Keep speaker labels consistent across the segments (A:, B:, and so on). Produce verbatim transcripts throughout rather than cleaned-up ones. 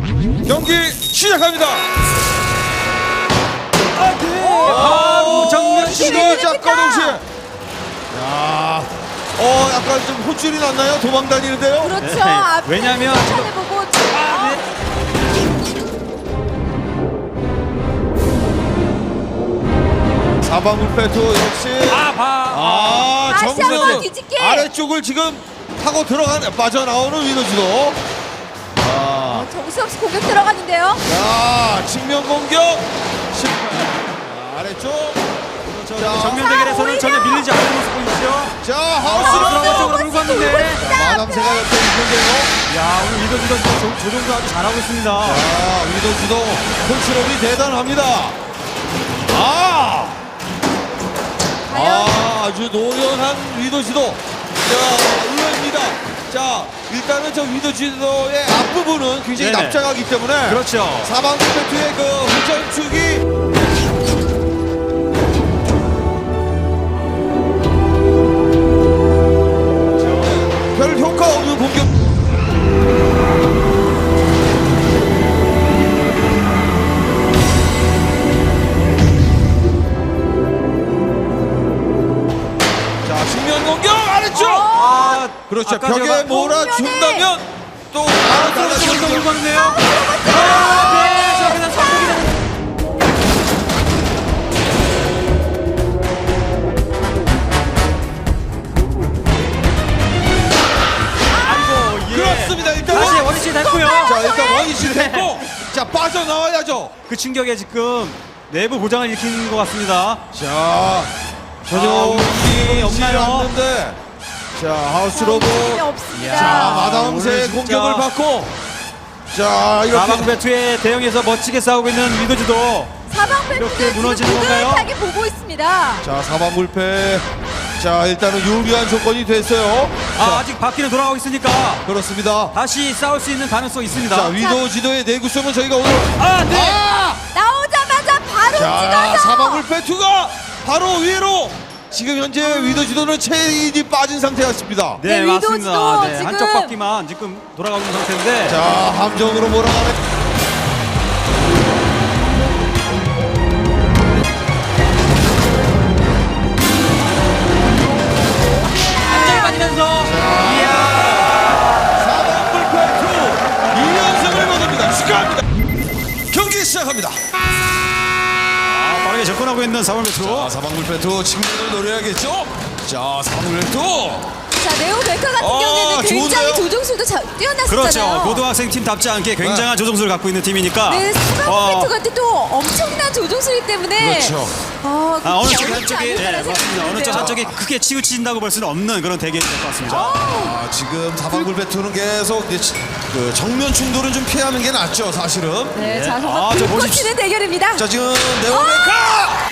A: 경기 시작합니다.
B: 아, 네. 바로 정면
A: 시간
B: 시간.
A: 작가 동시에. 야, 어 약간 좀 혼쭐이 났나요? 도망 다니는데요.
C: 그렇죠.
B: 네.
C: 앞에
B: 왜냐면
C: 차를 보고
B: 아, 네.
A: 사방울 페투 역시.
B: 아, 봐.
A: 아,
C: 다시 한번
A: 정면에
C: 뒤집기.
A: 아래쪽을 지금 타고 들어가는 빠져나오는 위너지도. 아,
C: 정신없이 공격 들어갔는데요.
A: 자, 측면 공격 실패. 자, 아래쪽. 자,
B: 정면 대결에서는 전혀 밀리지 않는 모습 보이시죠?
A: 자,
B: 아,
A: 하우스로.
B: 들어간 쪽으로 밀고 왔는데.
A: 자, 마담새가 옆에 있는데요.
B: 야, 오늘 위더지도 조종도 아주 잘하고 있습니다.
A: 자, 위너지도 컨트롤이 대단합니다. 아, 아, 아주 노련한 위너지도. 자, 의외입니다. 자, 일단은 저 위너지도의 앞부분은 굉장히
B: 네네.
A: 납작하기 때문에.
B: 그렇죠.
A: 사방 페트의 그 후전축이 별 효과 없는 공격. 자, 측면 공격 아래쪽.
B: 아,
A: 그렇죠.
B: 아까
A: 벽에
B: 제가
A: 몰아준다면 또
B: 아,
A: 나가서
B: 떨어지면서
A: 공격.
B: 밀고 왔는데요. 아, 네. 자, 그냥 성공이 되는. 아이고, 예.
A: 그렇습니다. 일단
B: 다시
A: 원-
B: 원위치 됐고요.
A: 자, 일단 원위치 됐고, 자, 빠져나와야죠.
B: 그 충격에 지금 내부 고장을 일으킨 것 같습니다.
A: 자, 전혀
B: 아,
A: 움직임이
B: 없나요?
A: 않는데, 자, 하우스 로봇.
C: 움직임이 없습니다.
A: 자,
B: 오늘
A: 마담새의
B: 진짜
A: 공격을 받고, 자, 이렇게.
B: 사방 배투에 대응해서 멋지게 싸우고 있는 위도지도
C: 사방
B: 이렇게
C: 팬들은
B: 무너지는
C: 지금
B: 건가요?
C: 뿌듯하게 보고 있습니다.
A: 자, 사방불패. 자, 일단은 유리한 조건이 됐어요.
B: 아,
A: 자,
B: 아직 바퀴는 돌아가고 있으니까
A: 그렇습니다.
B: 다시 싸울 수 있는 가능성이 있습니다.
A: 자, 위도 지도의 내구성은 저희가 오늘.
B: 아, 네.
A: 아!
C: 나오자마자 바로
A: 자,
C: 찍어서
A: 사방불패 투가 바로 위로. 지금 현재 위도 지도는 체인이 빠진 상태였습니다.
B: 네,
C: 네,
B: 맞습니다.
C: 위도지도
B: 네,
C: 지금-
B: 한쪽 바퀴만 지금 돌아가고 있는 상태인데.
A: 자, 함정으로 몰아가는.
B: 안전히 맞으면서. 이야.
A: 사방불패 투 이 연승을 거둡니다. 축하합니다. 경기 시작합니다.
B: 아, 빠르게 접근하고 있는 사방 배투.
A: 자, 사방불패 투 친구들 노려야겠죠? 자, 사방불패 투.
C: 자, 네오 베카 같은
A: 아,
C: 경우에는 굉장히
A: 좋은데요?
C: 조종수도 자, 뛰어났었잖아요.
B: 그렇죠. 고등학생 팀답지 않게 굉장한 조종수를 갖고 있는 팀이니까.
C: 네, 사방
B: 어,
C: 팬트가 또 엄청난 조종수이기 때문에
A: 그렇죠.
C: 아,
B: 아, 어느 쪽
C: 어렵지
B: 한쪽이
C: 않을
B: 네,
C: 거라는
B: 맞습니다.
C: 생각이
B: 어느 쪽
C: 드는데요.
B: 한쪽이 크게 치우친다고 볼 수는 없는 그런 대결이 될 것 같습니다.
A: 아, 지금 사방불패 투는 계속 이제 치- 그 정면 충돌은 좀 피하는 게 낫죠, 사실은.
C: 네,
B: 네.
C: 자,
B: 아,
C: 정말
B: 저
C: 불꽃
B: 보십시오.
C: 튀는 대결입니다.
A: 자, 지금 네오메카.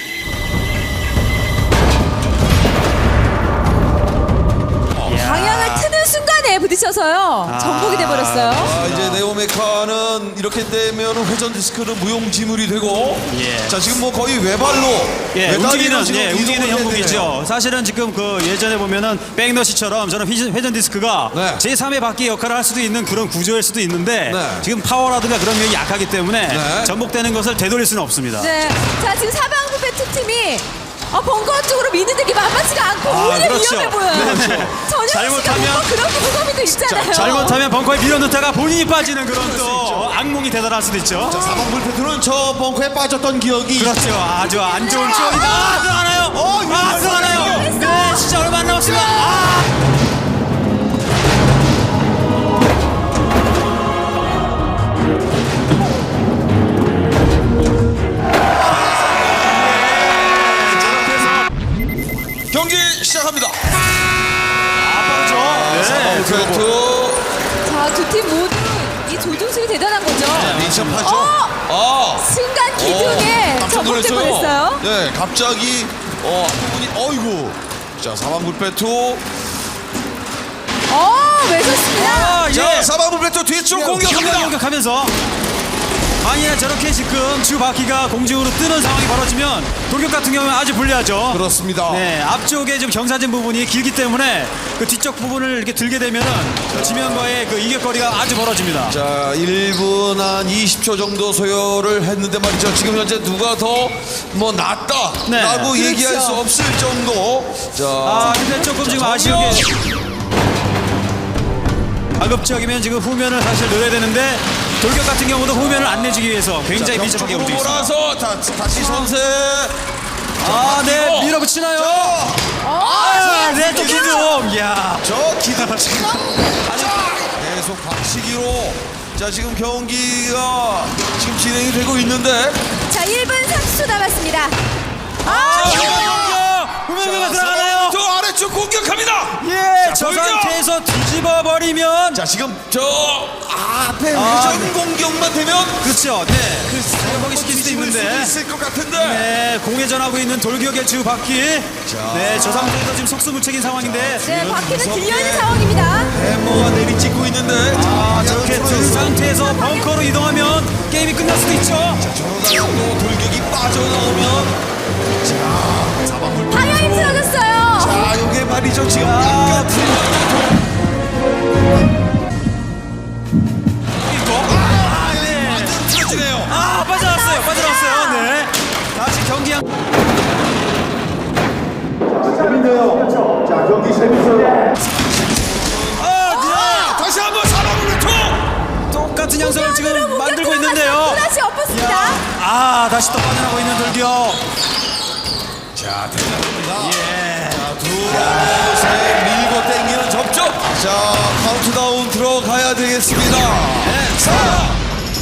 C: 방향을 트는 순간에 부딪혀서요. 정복이 돼버렸어요.
A: 아, 이제 네오메카는 이렇게 되면 회전 디스크는 무용지물이 되고.
B: 예.
A: 자, 지금 뭐 거의 외발로.
B: 예,
A: 외다리로
B: 움직이는,
A: 지금
B: 예,
A: 이동을
B: 움직이는
A: 해야
B: 형국이죠.
A: 되네요.
B: 사실은 지금 그 예전에 보면은 백너시처럼 저는 회전, 회전 디스크가
A: 네.
B: 제삼의 바퀴 역할을 할 수도 있는 그런 구조일 수도 있는데
A: 네.
B: 지금 파워라든가 그런 면이 약하기 때문에
A: 네.
B: 전복되는 것을 되돌릴 수는 없습니다.
C: 네, 자 지금 사방부 배트팀이 어, 벙커 쪽으로 미는 게 만만치가 않고
B: 아,
C: 오히려
B: 그렇죠.
C: 위험해 보여요.
B: 네, 네.
C: 전혀 씨가
B: 잘못하면-
C: 뭔가 그런 무서움이 있잖아요.
B: 잘못하면 벙커에 밀어넣다가 본인이 빠지는 그런 또 어, 악몽이 대단할 수도 있죠.
A: 자, 사방불패 투는 저 벙커에 빠졌던 기억이.
B: 그렇죠. 아주 안 좋은 추억이다. 아, 들어가나요?
A: 어, 이거
B: 아, 들어가나요? 네, 진짜 얼마 안 남았습니다. 아!
A: 경기 시작합니다.
B: 아, 빠르죠? 네.
A: 사방불패 투.
C: 자, 두 팀 모두 이 조종술이 대단한 거죠.
A: 민첩하죠.
C: 어!
A: 아.
C: 순간 기둥에
A: 어, 깜짝
C: 접목될
A: 놀랐어요.
C: 뻔했어요.
A: 네, 갑자기 어, 부분이 어이구. 자, 사방불패 투.
C: 어, 외쳤습니다.
B: 아, 예.
A: 자, 사방불패 투 뒤쪽 공격합니다.
B: 공격하면서 만약에 저렇게 지금 주 바퀴가 공중으로 뜨는 상황이 벌어지면 돌격 같은 경우는 아주 불리하죠.
A: 그렇습니다.
B: 네, 앞쪽에 좀 경사진 부분이 길기 때문에 그 뒤쪽 부분을 이렇게 들게 되면은 그 지면과의 그 이격거리가 아주 벌어집니다.
A: 자, 일 분 한 이십 초 정도 소요를 했는데 말이죠. 지금 현재 누가 더 뭐 낫다라고
B: 네.
A: 얘기할
C: 그렇죠.
A: 수 없을 정도. 자,
B: 아, 근데 조금 지금 아쉬운 게 가급적이면 지금 후면을 사실 넣어야 되는데 돌격 같은 경우도 후면을 안 내주기 위해서 굉장히 민첩하게
A: 벽쪽으로
B: 움직이고 있습니다.
A: 몰아서 다, 다시 선세.
B: 아, 네, 밀어붙이나요?
A: 자,
B: 아, 네, 또 기둥. 이야.
A: 저 기둥 계속 박치기로. 자, 지금 경기가 지금 진행이 되고 있는데.
C: 자, 일 분 삼십 초 남았습니다.
B: 아,
C: 아,
B: 후면가 후면가 들어가나요?
A: 저 아래쪽 공격합니다.
B: 예,
A: 자,
B: 저
A: 돌격!
B: 상태에서 뒤집어 버리면
A: 자, 지금 저 앞에
B: 아,
A: 회전 공격만 되면
B: 그렇죠. 네, 그 사용하기 시킬 수도
A: 뒤집을
B: 있는데.
A: 수 있을 것 같은데.
B: 네, 공회전하고 있는 돌격의 주 바퀴. 네, 저 상태에서 지금 속수무책인 상황인데.
C: 네, 바퀴는 들려있는 상황입니다.
A: 해머가 내리찍고 있는데.
B: 아, 저렇게 든 상태에서 벙커로 이동하면 게임이 끝날 수도 있죠.
A: 저러다가 또 돌격이 빠져나오면. 자, 사방불.
C: 방향이 틀어졌어요.
A: 자, 요게 말이죠. 지금
B: 아,
A: 약간
B: 있고.
A: 아, 네. 완전 틀어지네요.
B: 아, 빠져나왔어요. 빠져나왔어요. 네. 다시 경기 한.
D: 재밌네요. 자, 경기 재밌어요.
B: 아,
A: 다시 한번 사방불 투.
B: 네. 똑같은 양상을 지금 만들고 있는데요.
C: 다시 엎었습니다.
B: 아, 다시 또 빠져나가고 있는 돌격.
A: 자, 대단합니다. 예. 자, 두 번째 밀고 땡기는 접촉. 자, 카운트다운 들어가야 되겠습니다. 네, 사.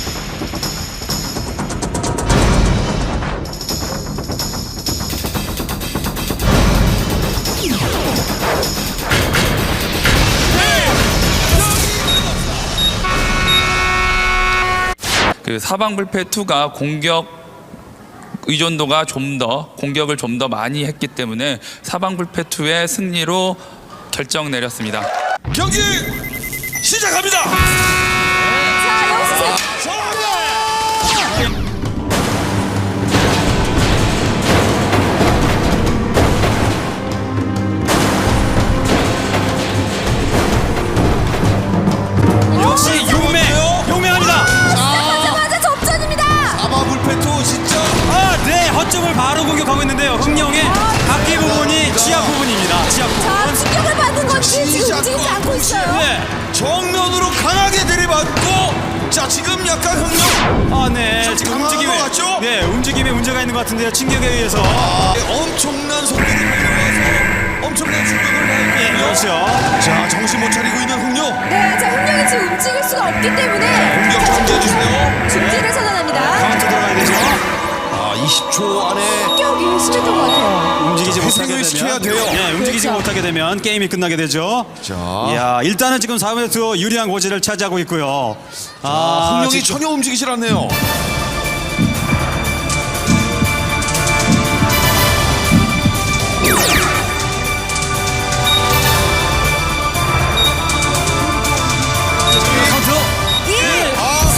E: 그 사방불패 이가 공격 의존도가 좀 더 공격을 좀 더 많이 했기 때문에 사방불패 이의 승리로 결정 내렸습니다.
A: 경기 시작합니다.
C: 자, 역시
B: 역시 용맹. 용맹합니다.
C: 시작하자마자 접전입니다.
A: 아마불패투 진짜.
B: 아, 네. 허점을 바로 공격하고 있는데요. 흥룡의 바퀴 부분이 취약 부분입니다. 취약
C: 자,
B: 부분.
C: 충격을 받은 건지 지금
A: 시작
C: 움직이지 않고 있어요.
B: 네.
A: 정면으로 강하게 들이받고. 자, 지금 약간 흥룡.
B: 아, 네.
A: 좀
B: 지금
A: 당황한
B: 움직임에
A: 것 같죠?
B: 네, 움직임에 문제가 있는 것 같은데요. 충격에 의해서.
A: 아, 엄청난 속도를 달려와서 엄청난 충격을
B: 예,
A: 받고.
B: 그렇죠.
A: 자, 정신 못 차리고 있는 흥룡.
C: 네, 자, 흥룡이 지금 움직일 수가 없기 때문에
A: 공격 정지해주세요.
C: 중지를 선언합니다.
B: 카운트 들어가야 되죠.
A: 아, 이십 초 안에
C: 공격이 심했던 것 같아요.
B: 움직이지
A: 자,
B: 못하게
A: 회생을 시켜야
B: 되면
A: 돼요.
B: 네, 움직이지
C: 그렇죠.
B: 못하게 되면 게임이 끝나게 되죠.
A: 자.
B: 이야, 일단은 지금 사 회 투 유리한 고지를 차지하고 있고요.
A: 아, 흥룡이
B: 지금-
A: 전혀 움직이질 않네요.
B: 카운트.
C: 일.
A: 아,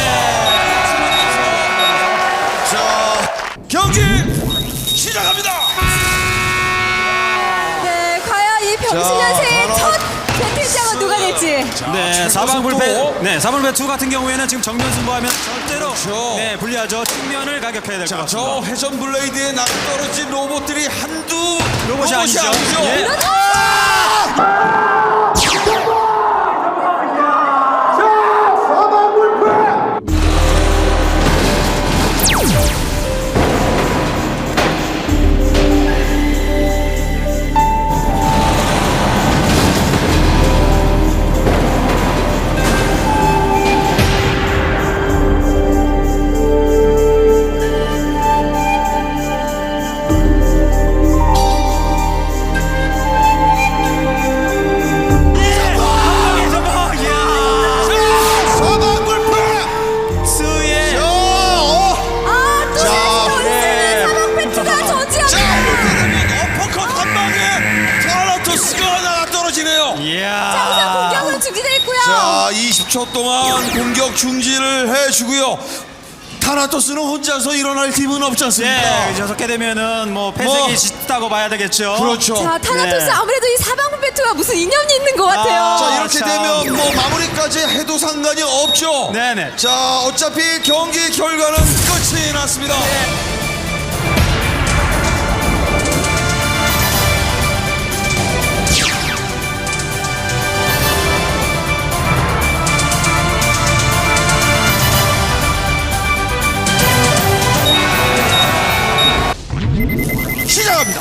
A: 자, 경기 시작합니다.
C: 네, 과연 이 병신년생의
A: 자,
C: 첫 배틀장은 누가 될지.
B: 네, 사방불패. 네, 사방불패 투 같은 경우에는 지금 정면 승부하면 절대로
A: 그렇죠.
B: 네, 불리하죠. 측면을 가격해야 될 것
A: 자,
B: 같습니다.
A: 저 회전 블레이드에 낭떠러진 로봇들이 한두
B: 로봇이 아니죠. 예.
A: 사방불패.
B: 스의
A: 자, 어.
C: 아, 또
A: 자,
C: 다시
B: 예.
C: 사방 배트가
A: 자,
C: 저지합니다.
A: 이렇게 되면 어퍼컷 한 방에 타라토스가 하나 떨어지네요.
B: 이야.
C: 자, 우선 공격은 중지됐고요.
A: 자, 이십 초 동안 공격 중지를 해주고요. 타나토스는 혼자서 일어날 팀은 없지 않습니까?
B: 네, 저렇게 되면은 뭐 패색이
A: 뭐.
B: 짙다고 봐야 되겠죠.
A: 그렇죠.
C: 자, 타나토스
B: 네.
C: 아무래도 이 사방부 배트와 무슨 인연이 있는 것 같아요.
B: 아,
A: 자, 이렇게
B: 참.
A: 되면 뭐 마무리까지 해도 상관이 없죠.
B: 네네.
A: 자, 어차피 경기 결과는 끝이 났습니다. 시작합니다.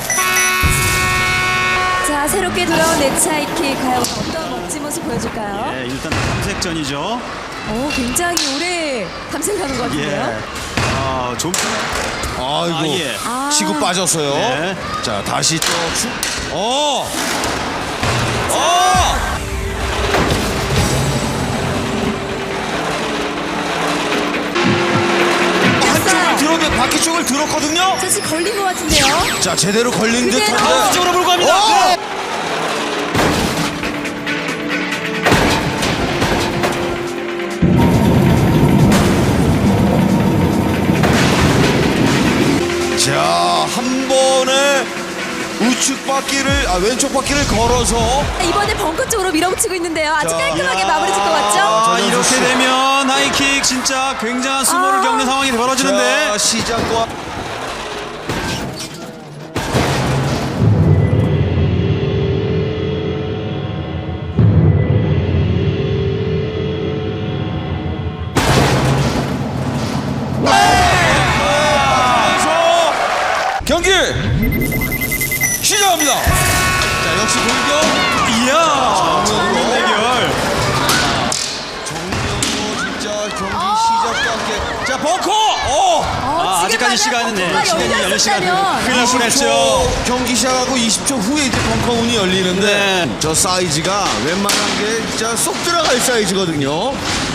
C: 자, 새롭게 돌아온 네츠하이킥 과연 어떤 멋진 모습 보여줄까요?
B: 네, 일단 탐색전이죠.
C: 오, 굉장히 오래 탐색하는 것 같은데요.
B: 예. 아, 좀.
A: 아이고,
B: 아, 예.
C: 아.
A: 치고 빠졌어요.
B: 네.
A: 자, 다시 또 축. 어! 어! 한쪽을 들었는데 바퀴 쪽을 들었거든요.
C: 자, 지금 걸린 것 같은데요.
A: 자, 제대로 걸린
C: 그게
A: 듯한데.
C: 가운데
B: 쪽으로 몰고 갑니다.
A: 어!
B: 네.
A: 자, 한 번에 우측 바퀴를, 아, 왼쪽 바퀴를 걸어서.
C: 이번에 벙커 쪽으로 밀어붙이고 있는데요. 아주
A: 자,
C: 깔끔하게
A: 야.
C: 마무리 짓고 왔죠?
B: 아,
A: 전현수
B: 이렇게
A: 씨.
B: 되면 하이킥 진짜 굉장한 수모를
C: 아.
B: 겪는 상황이 벌어지는데.
A: 자, 시작과. 경기 시작합니다. 자, 역시 돌격.
B: 이야.
A: 정면으로.
B: 대결.
A: 정면으로 진짜 경기 시작과 함께. 자, 벙커. 어.
C: 어,
B: 아,
C: 지금
B: 아직까지
C: 만약
B: 시간은 네,
C: 벙커가
B: 시간이 열릴 시간은
C: 열렸었다면
B: 큰일 날 뻔했죠.
A: 경기 시작하고 이십 초 후에 이제 벙커 문이 열리는데
B: 네.
A: 저 사이즈가 웬만한 게 진짜 쏙 들어갈 사이즈거든요.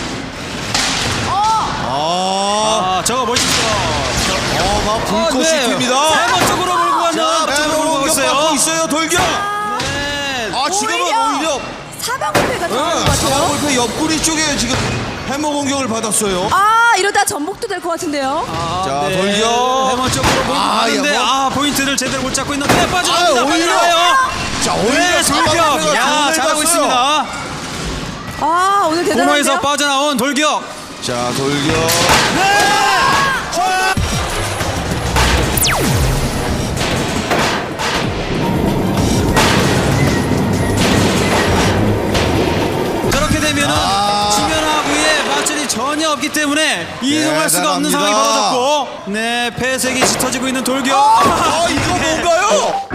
A: 아,
B: 아, 저거 멋있어.
A: 어, 막 불꽃이 튑니다.
B: 세번 쪽으로 몰고 가는
A: 자,
B: 쪽으로
A: 배로
B: 몰고
A: 공격
B: 있어요.
A: 받고 있어요. 돌격.
B: 네.
A: 아, 지금은 오히려
C: 사방불패가 들어가는 것 같아요.
A: 사방골프 옆구리 쪽에 지금 해머 공격을 받았어요.
C: 아, 이러다 전복도 될 것 같은데요.
A: 자,
B: 네.
A: 돌려.
B: 해머 쪽으로 몰고
A: 아,
B: 가는데
A: 야, 뭐.
B: 아, 포인트를 제대로 못 잡고 있는데 네, 빠져나옵니다.
A: 아, 오히려.
B: 빠져나와요.
A: 자, 오히려
B: 네, 돌격.
A: 사방골프가
B: 야,
A: 돈을
B: 잘하고
A: 갔어요.
B: 있습니다.
C: 아, 오늘
B: 코너에서
C: 대단한데요.
B: 빠져나온 돌격.
A: 자, 돌격.
B: 저렇게 되면은
A: 아.
B: 지면하고의 맞전이 전혀 없기 때문에 이동할 수가 없는 상황이
A: 대단합니다.
B: 벌어졌고, 네, 폐색이 짙어지고 있는 돌격.
A: 아, 이거 뭔가요?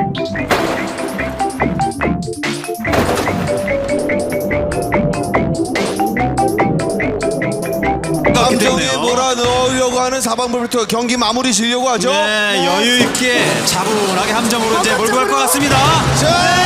A: 감정에
B: 됐네요.
A: 몰아넣으려고 하는 사방불부터 경기 마무리 지려고 하죠.
B: 네, 여유 있게 차분하게 함정으로 이제 몰고 갈 것 같습니다.
A: 자,